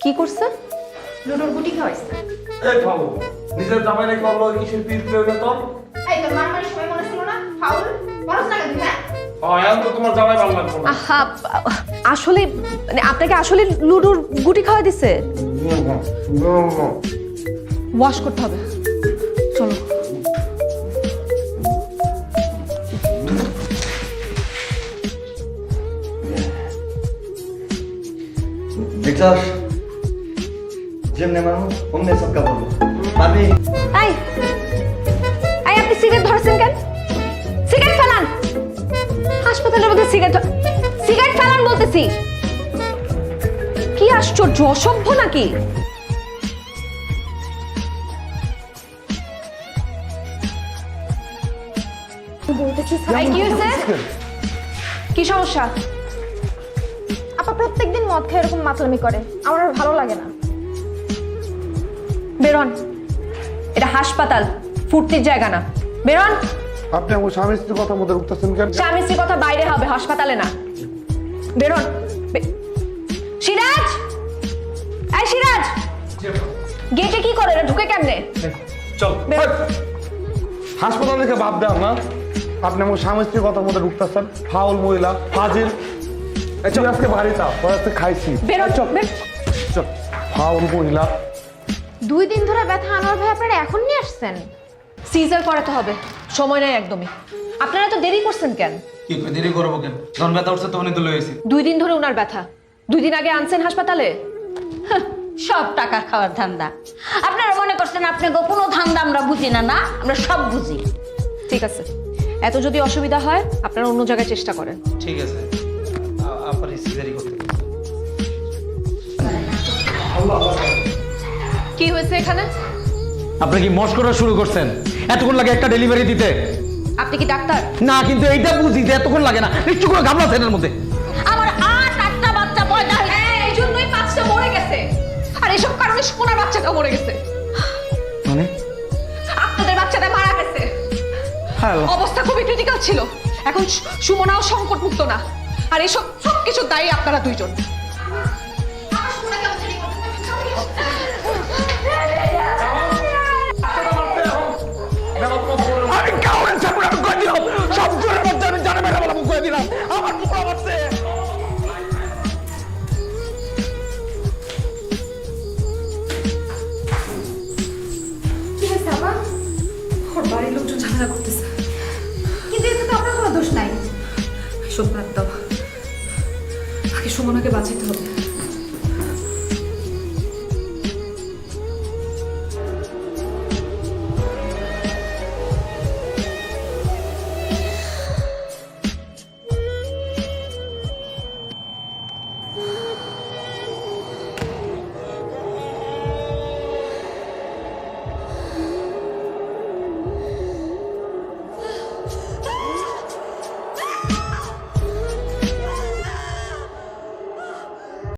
কি করছে? লুডোর গুটি খাওয়াইছে। এই ফাউল নিজের জামাই রেখে অন্য কিসের পিঠ পেয়ে তোর এই তোর মারামারির সময় মনে ছিল না ফাউল বলছ না কেন হ্যাঁ? এখন তো তোমার জামাই ভালো লাগবে না। আহা, আসলে মানে আপনাকে আসলে লুডোর গুটি খাওয়া দিছে। ওয়াশ করতে হবে, চলো। দেখছস যেমনে মানুষ অমনে সবকা বলবো পারবি এই এই আপনি সিগারেট ধরছেন কেন? সিগারেট ফেলান। হাসপাতালের মধ্যে সিগারেট ফেলান বলতেছি। কি আশ্চর্য, অসভ্য নাকি? এই, কি হয়েছে? কি সমস্যা? আপা প্রত্যেকদিন মদ খেয়ে এরকম মাতলামি করে, আমার আর ভালো লাগে না। বেরোন, এটা হাসপাতাল, ফুর্তির জায়গা না। বেরোন। আপনি আমার স্বামী স্ত্রীর কথা মধ্যে উঠতেছেন কেন? স্বামী স্ত্রীর কথা বাইরে হবে, হাসপাতালে না। বেরোন। সিরাজ, এই সিরাজ, গেটে কি করে? ঢুকে কেমনে? চল বেরোন। হাসপাতাল থেকে বাদ দেন না। আপনি আমার স্বামী স্ত্রীর কথা মধ্যে ঢুকতেছেন। ফাউল মহিলা, ফাজিল। তুই আজকে বাড়িতে তোর আজকে খাইছি। বেরোন। চল, ফাউল মহিলা। 2 দিন ধরে ব্যথা আনোয়ার ভাই আপনারা এখন নিয়ে আসছেন? সিজার করাতে হবে, সময় নেই একদমই। আপনারা তো দেরি করছেন কেন? কি কই দেরি করবো কেন? যখন ব্যথা উঠছে তখনই তো লয়েছি। 2 দিন ধরে উনার ব্যথা, 2 দিন আগে আনছেন হাসপাতালে। সব টাকা খাওয়ার ধান্দা। আপনারা মনে করছেন আপনি কোনো ধান্দা আমরা বুঝি না? না, আমরা সব বুঝি। ঠিক আছে, এত যদি অসুবিধা হয় আপনারা অন্য জায়গায় চেষ্টা করেন। ঠিক আছে, আপনার সিজারি করতে কি হয়েছে এখানে? আপনি কি মস্করা শুরু করছেন? এতক্ষণ লাগে একটা ডেলিভারি দিতে? আপনি কি ডাক্তার? না, কিন্তু এইটা বুঝি যে এতক্ষণ লাগে না। নিশ্চয় করে ঘাবড়াচ্ছেন এর মধ্যে। আমার 8-8টা বাচ্চা পয়দা হয়েছে। এই জন্যই 5টা মরে গেছে, আর এসব কারণে সোনার বাচ্চাটা মরে গেছে। মানে আপনাদের বাচ্চাটা মারা গেছে। হ্যাঁ, অবস্থা খুবই ক্রিটিক্যাল ছিল। এখন সুমনাও সংকট মুক্ত না, আর এসব সবকিছু দায়ী আপনারা দুইজন। আমি কাউরে ছাড়বো না, আমি কয়ে দিলাম। সব জোরের মধ্যে আমি জানে মেরে বলা মুখ কয়ে দিলাম। আমার পুরো মারছে।